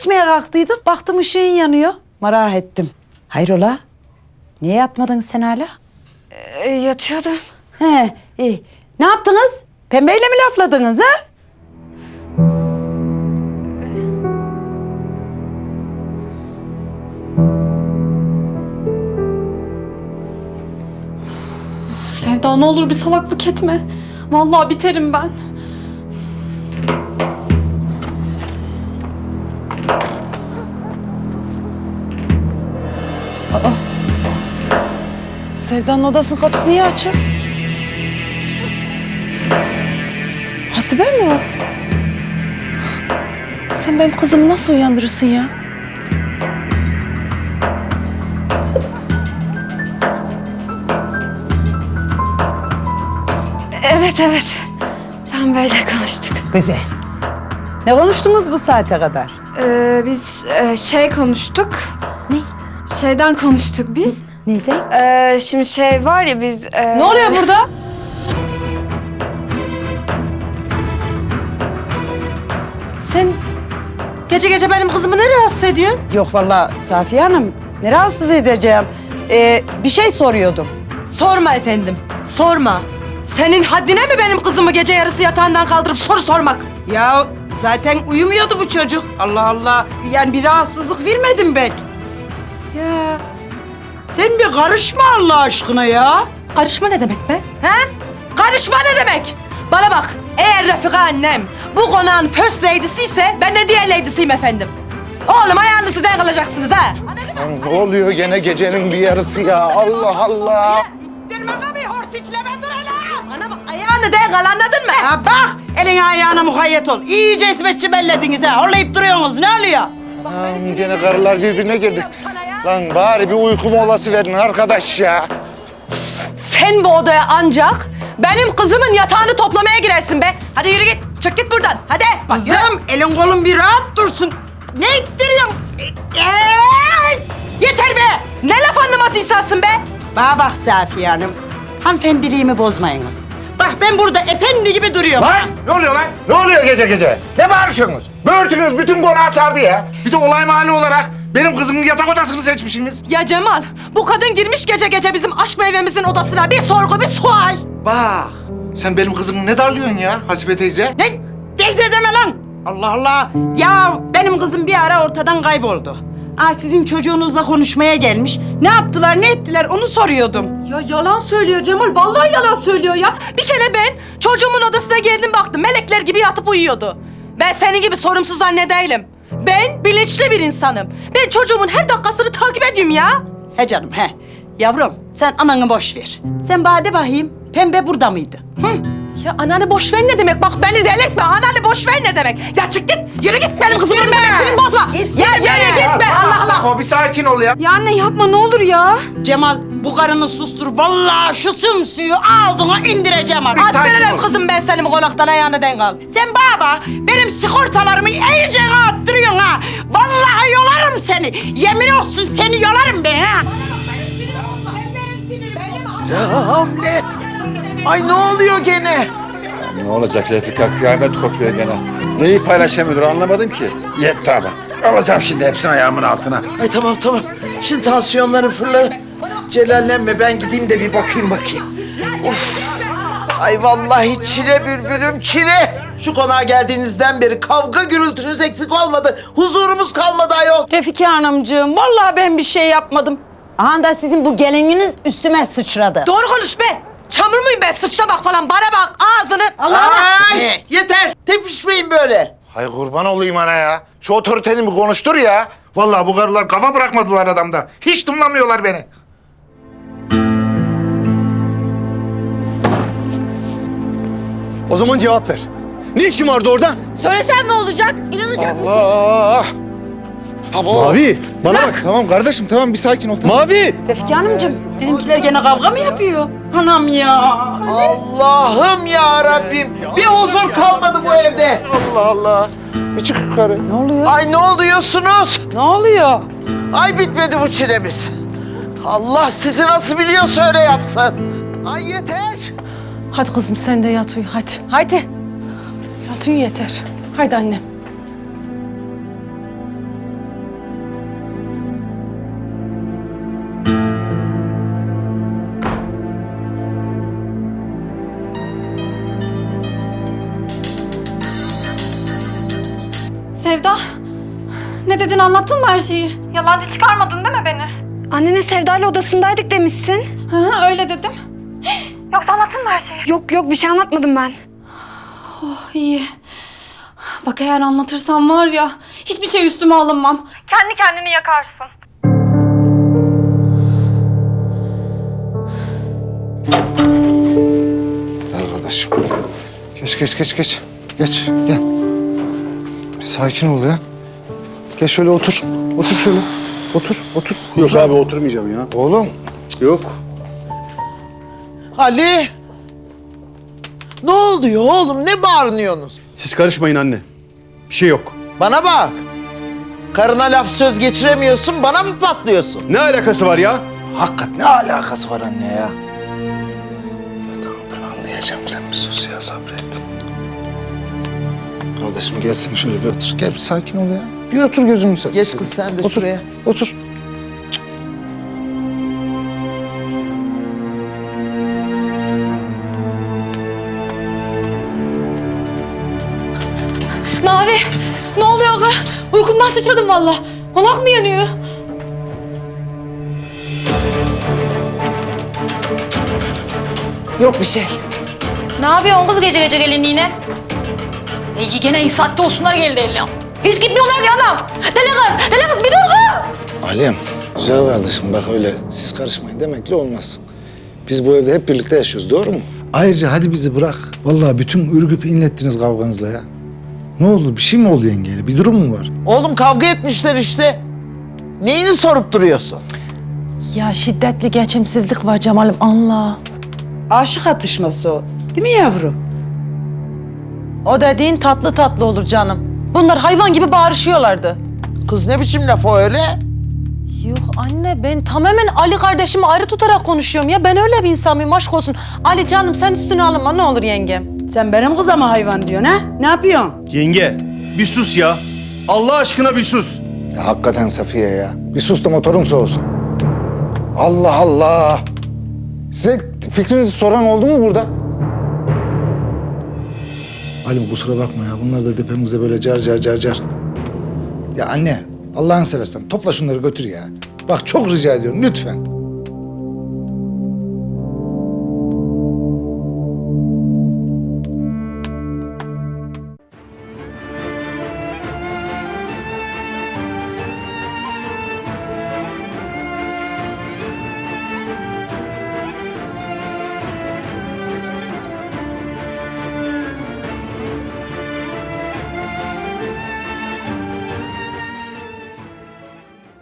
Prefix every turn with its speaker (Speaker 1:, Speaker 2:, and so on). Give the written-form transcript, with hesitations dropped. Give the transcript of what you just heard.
Speaker 1: içmeye kalktıydım. Baktım ışığın yanıyor. Merak ettim. Hayrola? Niye yatmadın sen hala?
Speaker 2: Yatıyordum.
Speaker 1: He, iyi. Ne yaptınız? Pembeyle mi lafladınız ha?
Speaker 2: Sevda ne olur bir salaklık etme. Vallahi biterim ben.
Speaker 1: Sevda'nın odasının kapısı niye açık? Hasibe mi o? Sen benim kızımı nasıl uyandırırsın ya?
Speaker 2: Evet. Ben böyle konuştuk.
Speaker 1: Güzel. Ne konuştunuz bu saate kadar?
Speaker 2: Biz şey konuştuk.
Speaker 1: Ne?
Speaker 2: Şeyden konuştuk biz.
Speaker 1: Neyden?
Speaker 2: Şimdi şey var ya biz...
Speaker 1: Ne oluyor burada? Sen gece gece benim kızımı ne rahatsız ediyorsun? Yok vallahi Safiye Hanım, ne rahatsız edeceğim? Bir şey soruyordum.
Speaker 3: Sorma efendim, sorma. Senin haddine mi benim kızımı gece yarısı yatağından kaldırıp soru sormak?
Speaker 1: Ya zaten uyumuyordu bu çocuk. Allah Allah. Yani bir rahatsızlık vermedim ben. Ya sen bir karışma Allah aşkına ya.
Speaker 3: Karışma ne demek be? He? Karışma ne demek? Bana bak, eğer Refika annem bu konağın first lady'si ise ben de diğer lady'siyim efendim. Oğlum ayağınızı denk alacaksınız ha.
Speaker 4: Lan ne oluyor gene gecenin bir yarısı ya? Allah Allah.
Speaker 3: İttirmeme bir hortikleme dur hele. Bana bak, ayağını denk al, anladın mı?
Speaker 1: Ha bak, eline ayağına mukayyet ol. İyice hizmetçi bellediniz ha. Horlayıp duruyorsunuz, ne oluyor?
Speaker 4: Lan gene karılar birbirine girdi. Lan bari bir uyku molası verin arkadaş ya.
Speaker 3: Sen bu odaya ancak benim kızımın yatağını toplamaya girersin be. Hadi yürü git, çık git buradan. Hadi. Bak, yürü.
Speaker 1: Kızım, elin kolun bir rahat dursun. Ne ittiriyorsun?
Speaker 3: Yeter be! Ne laf anlamaz insansın be?
Speaker 1: Bana bak Safiye Hanım, hanımefendiliğimi bozmayınız. Bak ben burada efendi gibi duruyorum.
Speaker 4: Lan ne oluyor lan? Ne oluyor gece gece? Ne bağırıyorsunuz? Böğürtünüz bütün konağı sardı ya. Bir de olay mahalli olarak benim kızımın yatak odasını seçmişsiniz.
Speaker 3: Ya Cemal, bu kadın girmiş gece gece bizim aşk meyvemizin odasına. Bir sorgu, bir sual.
Speaker 4: Bak sen benim kızımı ne darlıyorsun ya Hasibe teyze?
Speaker 1: Ne? Teyze deme lan! Allah Allah! Ya benim kızım bir ara ortadan kayboldu. Sizin çocuğunuzla konuşmaya gelmiş. Ne yaptılar, ne ettiler onu soruyordum.
Speaker 3: Ya yalan söylüyor Cemal, vallahi yalan söylüyor ya. Bir kere ben çocuğumun odasına geldim baktım, melekler gibi yatıp uyuyordu. Ben senin gibi sorumsuz anne değilim. Ben bilinçli bir insanım. Ben çocuğumun her dakikasını takip ediyorum ya.
Speaker 1: He canım he. Yavrum sen ananı boş ver. Sen bade bakayım, Pembe burada mıydı? Hı?
Speaker 3: Ya ananı boş ver ne demek? Bak beni delirtme. Ananı boş ver ne demek? Ya çık git. Yürü git benim kızımın memesini bozma. Yürü gitme. Allah Allah.
Speaker 4: O bir sakin ol ya.
Speaker 2: Ya anne yapma ne olur ya.
Speaker 1: Cemal bu karını sustur. Vallahi şu sümsüyü ağzına indireceğim artık.
Speaker 3: Attırırım kızım ben seni bu konaktan, ayağını denk al.
Speaker 1: Sen baba benim sigortalarımı iyice attırıyorsun ha. Vallahi yolarım seni. Yemin olsun seni yolarım ben ha.
Speaker 5: Ya Hamle! Ay ne oluyor gene?
Speaker 6: Ne olacak Refika? Kıyamet kopuyor gene. Neyi paylaşamıyordur anlamadım ki. Yetti abi. Alacağım şimdi hepsini ayağımın altına.
Speaker 5: Ay tamam. Şimdi tansiyonları fırla. Celallenme ben gideyim de bir bakayım. Of. Ay vallahi çile bülbülüm çile. Şu konağa geldiğinizden beri kavga gürültünüz eksik olmadı. Huzurumuz kalmadı ayol.
Speaker 1: Refika Hanımcığım vallahi ben bir şey yapmadım. Aha da sizin bu gelininiz üstüme sıçradı.
Speaker 3: Doğru konuş be. Çamur muyum ben? Sıçra bak falan. Bana bak ağzını.
Speaker 5: Ay yeter. Tepişmeyin böyle.
Speaker 4: Hay kurban olayım ana ya. Şu otoriteni bir konuştur ya. Vallahi bu karılar kafa bırakmadılar adamda. Hiç tınlamıyorlar beni.
Speaker 7: O zaman cevap ver. Ne işin vardı orada?
Speaker 2: Söylesem ne olacak? İnanacak mısın?
Speaker 4: Allah! Abo.
Speaker 7: Mavi, bana bak.
Speaker 4: Tamam kardeşim tamam bir sakin ol. Tamam.
Speaker 7: Mavi!
Speaker 1: Refika Hanımcığım bizimkiler gene kavga mı yapıyor? Anam ya.
Speaker 5: Allah'ım ya Rabbim. Bir huzur kalmadı bu evde.
Speaker 4: Allah Allah. Bir çık yukarı.
Speaker 1: Ne oluyor?
Speaker 5: Ay ne oluyorsunuz?
Speaker 1: Ne oluyor?
Speaker 5: Ay bitmedi bu çilemiz. Allah sizi nasıl biliyorsa öyle yapsın. Ay yeter.
Speaker 3: Hadi kızım sen de yat uyu hadi. Haydi. Yat uyu yeter. Haydi annem.
Speaker 2: dedin, anlattın mı her şeyi? Yalancı çıkarmadın değil mi beni?
Speaker 8: Annene Sevda'yla odasındaydık demişsin.
Speaker 2: Hı, öyle dedim. Yoksa anlattın mı her şeyi?
Speaker 8: Yok yok bir şey anlatmadım ben.
Speaker 2: Oh iyi. Bak eğer anlatırsam var ya, hiçbir şey üstüme alınmam. Kendi kendini yakarsın.
Speaker 4: Gel kardeşim. Geç. Geç, gel. Bir sakin ol ya. Gel şöyle otur. Otur şöyle. Otur.
Speaker 7: Yok abi oturmayacağım ya.
Speaker 4: Oğlum.
Speaker 7: Yok.
Speaker 5: Ali! Ne oluyor oğlum? Ne bağırıyorsunuz?
Speaker 7: Siz karışmayın anne. Bir şey yok.
Speaker 5: Bana bak. Karına laf söz geçiremiyorsun, bana mı patlıyorsun?
Speaker 7: Ne alakası var ya?
Speaker 4: Hakikat ne alakası var anne ya? Ya tamam ben anlayacağım, sen bir sus ya, sabret. Kardeşim gelsin şöyle bir otur. Gel bir sakin ol ya. Bir otur gözünü seveyim.
Speaker 5: Geç kız sen de şuraya.
Speaker 4: Otur.
Speaker 3: Mavi, ne oluyor kız? Uykumdan sıçradım vallahi. Konak mı yanıyor?
Speaker 1: Yok bir şey.
Speaker 3: Ne yapıyorsun kız gece gece gelinliğine? Gene iyi saatte olsunlar geldi eline. Hiç gitmiyorlar ki adam. Deli kız bir dur kız.
Speaker 9: Alem, güzel kardeşim bak öyle siz karışmayın demekle olmaz. Biz bu evde hep birlikte yaşıyoruz, doğru mu?
Speaker 4: Ayrıca hadi bizi bırak. Vallahi bütün ürgüp inlettiniz kavganızla ya. Ne oldu? Bir şey mi oldu yengeyle? Bir durum mu var?
Speaker 5: Oğlum kavga etmişler işte. Neyini sorup duruyorsun?
Speaker 3: Ya şiddetli geçimsizlik var Cemal'im anla.
Speaker 1: Aşık atışması o. Değil mi yavrum?
Speaker 3: O dediğin tatlı tatlı olur canım. Bunlar hayvan gibi bağırışıyorlardı.
Speaker 5: Kız ne biçim laf o öyle?
Speaker 3: Yok anne ben tamamen Ali kardeşimi ayrı tutarak konuşuyorum ya. Ben öyle bir insan mıyım aşk olsun. Ali canım sen üstüne alınma ne olur yengem.
Speaker 1: Sen benim kızıma hayvan diyorsun ha? Ne yapıyorsun?
Speaker 7: Yenge, bir sus ya. Allah aşkına bir sus.
Speaker 9: Ya, hakikaten Safiye ya. Bir sus da motorun soğusun. Allah Allah. Size fikrinizi soran oldu mu burada?
Speaker 4: Halim kusura bakma ya. Bunlar da tepemizde böyle car. Ya anne, Allah'ını seversen topla şunları götür ya. Bak çok rica ediyorum lütfen.